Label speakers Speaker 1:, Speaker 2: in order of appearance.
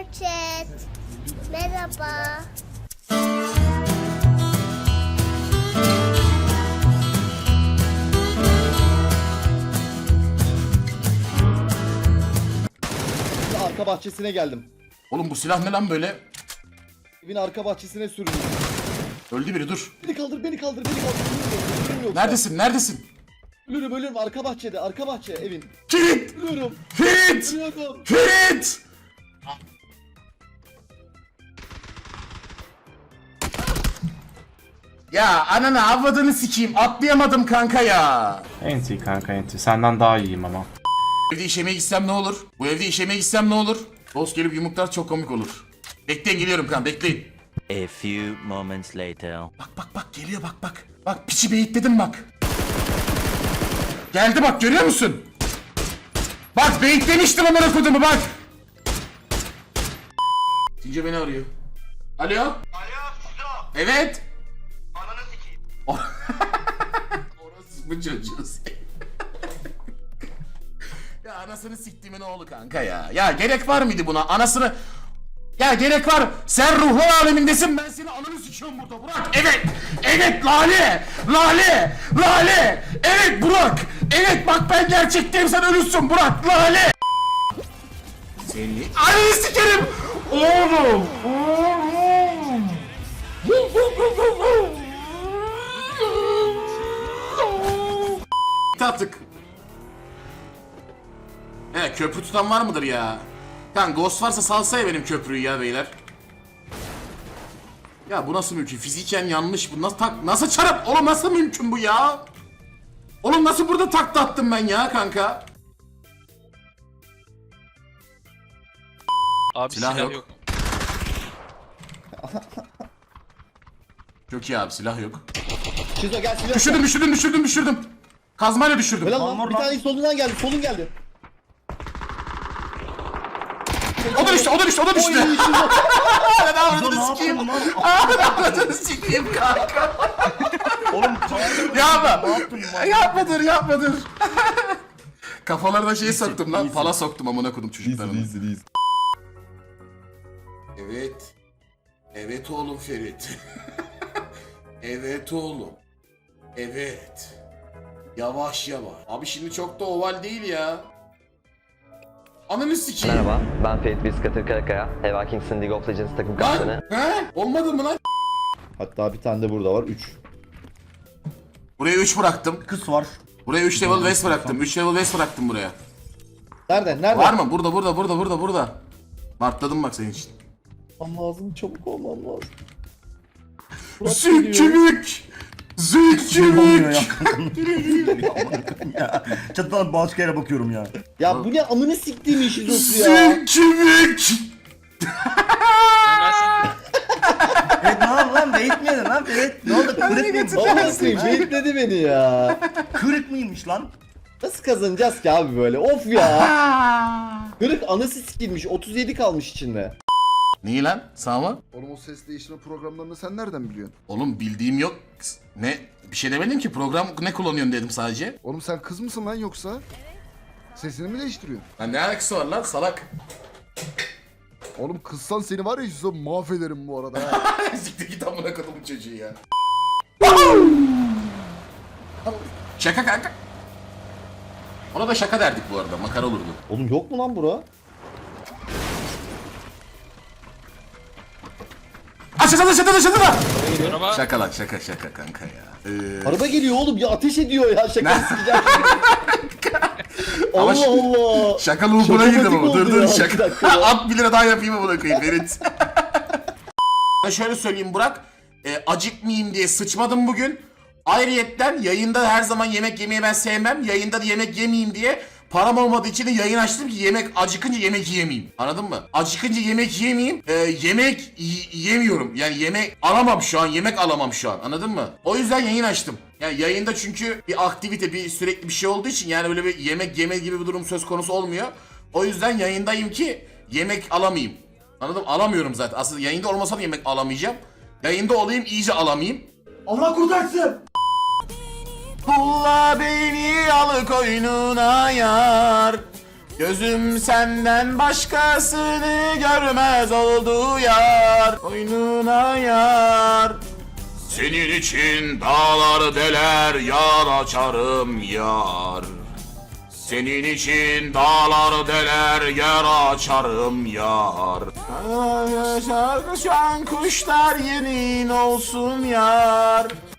Speaker 1: chat. Merhaba.
Speaker 2: Arka bahçesine geldim.
Speaker 3: Oğlum bu silah ne lan böyle?
Speaker 2: Evin arka bahçesine süründüm.
Speaker 3: Öldü biri dur.
Speaker 2: Beni kaldır, beni kaldır, beni kaldır. Ölürüm yoksa.
Speaker 3: Neredesin? Neredesin?
Speaker 2: Ölürüm. Arka bahçede, arka bahçe evin.
Speaker 3: Ferit!
Speaker 2: Ölüyorum.
Speaker 3: Ferit!
Speaker 2: Ölüyorum.
Speaker 3: Ferit! Ya ananı avradını sikeyim. Atlayamadım kanka ya.
Speaker 4: Enti kanka enti. Senden daha iyiyim ama.
Speaker 3: Bu evde işemeye gitsem ne olur? Bu evde işemeye gitsem ne olur? Dost gelip yumruklar çok komik olur. Bekleyin geliyorum kan bekleyin.
Speaker 5: A few moments later.
Speaker 3: Bak geliyor bak. Bak piçi beyitledim bak. Geldi bak görüyor musun? Bak beyitlemiştim amına kodumu bak. Tince beni arıyor. Alo?
Speaker 6: Alo Sizo.
Speaker 3: Evet.
Speaker 6: Ananı sikeyim.
Speaker 3: Orası bu çocuğu. Ya anasını siktiğimin oğlu kanka ya. Ya gerek var mıydı buna? Anasını... Ya gerek var. Sen ruhlar alemindesin. Ben seni ananı sikiyorum burada Burak. Evet. Evet Lale. Lale. Evet Burak. Evet bak ben gerçekteyim sen ölürsün Burak. Lale. Seni ananı sikerim. Oğlum. Tattık. Köprü tutan var mıdır ya? Kan ghost varsa salsa ya benim köprüyü ya beyler. Ya bu nasıl mümkün? Fiziken yanlış bu. Nasıl çarap? Oğlum nasıl mümkün bu ya? Oğlum nasıl burada takla attım ben ya kanka?
Speaker 7: Abi
Speaker 3: Silah yok. Çok iyi abi silah yok.
Speaker 2: Şizo gel silah.
Speaker 3: Düşürdüm. Kazmayla düşürdüm.
Speaker 2: Helal lan bir tane solundan geldi, solun geldi.
Speaker 3: O da düştü.
Speaker 2: Oy Şizo.
Speaker 3: Ben avradını sikeyim. Avradını sikeyim kanka.
Speaker 6: Oğlum
Speaker 3: Yapma dur. Kafalarına şey soktum lan. Pala soktum amına kodum çocuklarını. Evet. Evet oğlum Ferit. Evet oğlum. Evet. Yavaş. Abi şimdi çok da oval değil ya. Ananı sikeyim.
Speaker 8: Merhaba, ben Ferit Biskatır Karakaya, Heva Kings'in League of Legends takım kaptanı.
Speaker 3: He? Olmadı mı lan?
Speaker 2: Hatta bir tane de burada var, 3.
Speaker 3: Buraya 3 bıraktım.
Speaker 6: kız var.
Speaker 3: Buraya 3 level west bıraktım. 3 level west bıraktım buraya.
Speaker 2: Nerede?
Speaker 3: Var mı? Burada. Martladım bak senin için.
Speaker 2: Olmam lazım, çabuk olmam lazım.
Speaker 3: Zülkümük!
Speaker 6: Olmuyor ya. Çatıdan başka yere bakıyorum ya.
Speaker 2: Ya bu ne amını siktiğim Şizo'su ya.
Speaker 3: Zülkümük!
Speaker 6: Evet ne oldu lan? Beyitmedin lan Ferit. Ne oldu? Kırık mıymış?
Speaker 2: Vallahi koyayım, beyitledi beni ya.
Speaker 6: Kırık mıymış lan?
Speaker 2: Nasıl kazanacağız ki abi böyle? Of ya. Kırık anası sikilmiş, 37 kalmış içinde.
Speaker 3: Niye lan? Sağ mı?
Speaker 9: Oğlum o ses değiştirme programlarını sen nereden biliyorsun?
Speaker 3: Oğlum bildiğim yok. Ne? Bir şey demedim ki. Program ne kullanıyorsun dedim sadece.
Speaker 9: Oğlum sen kız mısın lan yoksa? Sesini mi değiştiriyorsun?
Speaker 3: Lan ne alakası var lan salak?
Speaker 9: Oğlum kızsan seni var ya yüzde mahvederim bu arada ha.
Speaker 3: Siktir git amına kodumun çocuğu ya. Şaka kanka. Ona da şaka derdik bu arada. Makara olurdu.
Speaker 2: Oğlum yok mu lan bura?
Speaker 3: Aşağıda.
Speaker 7: Merhaba.
Speaker 3: Şaka lan şaka kanka ya.
Speaker 2: Araba geliyor oğlum ya, ateş ediyor ya, şaka sikeceğim.
Speaker 3: Ama
Speaker 2: Allah Allah.
Speaker 3: Şaka loop'una
Speaker 2: Şaka
Speaker 3: girdim
Speaker 2: matik
Speaker 3: ama.
Speaker 2: oldu
Speaker 3: Dur
Speaker 2: ya,
Speaker 3: şaka.
Speaker 2: bir dakika ya.
Speaker 3: At 1 lira daha yapayım mı buna koyayım Ferit. Ben şöyle söyleyeyim Burak. Acıkmayayım diye sıçmadım bugün. Ayrıyetten yayında her zaman yemek yemeyi ben sevmem. Yayında da yemek yemeyeyim diye param olmadığı için de yayın açtım ki acıkınca yemek yemeyeyim. Anladın mı? Acıkınca yemek yemeyeyim. Yemek yemiyorum. Yani yemek alamam şu an. Yemek alamam şu an. Anladın mı? O yüzden yayın açtım. Yani yayında çünkü bir aktivite, bir sürekli bir şey olduğu için yani öyle bir yemek yeme gibi bir durum söz konusu olmuyor. O yüzden yayındayım ki yemek alamayayım. Anladın mı? Alamıyorum zaten. Aslında yayında olmasa da yemek alamayacağım. Yayında olayım iyice alamayayım.
Speaker 6: Allah kurtarsın.
Speaker 3: Pulla beni al koynuna yar. Gözüm senden başkasını görmez oldu yar. Boynuna yar. Senin için dağları deler, yar açarım yar. Senin için dağları deler, yer açarım yar. Şarkı şu an kuşlar yerin olsun yar.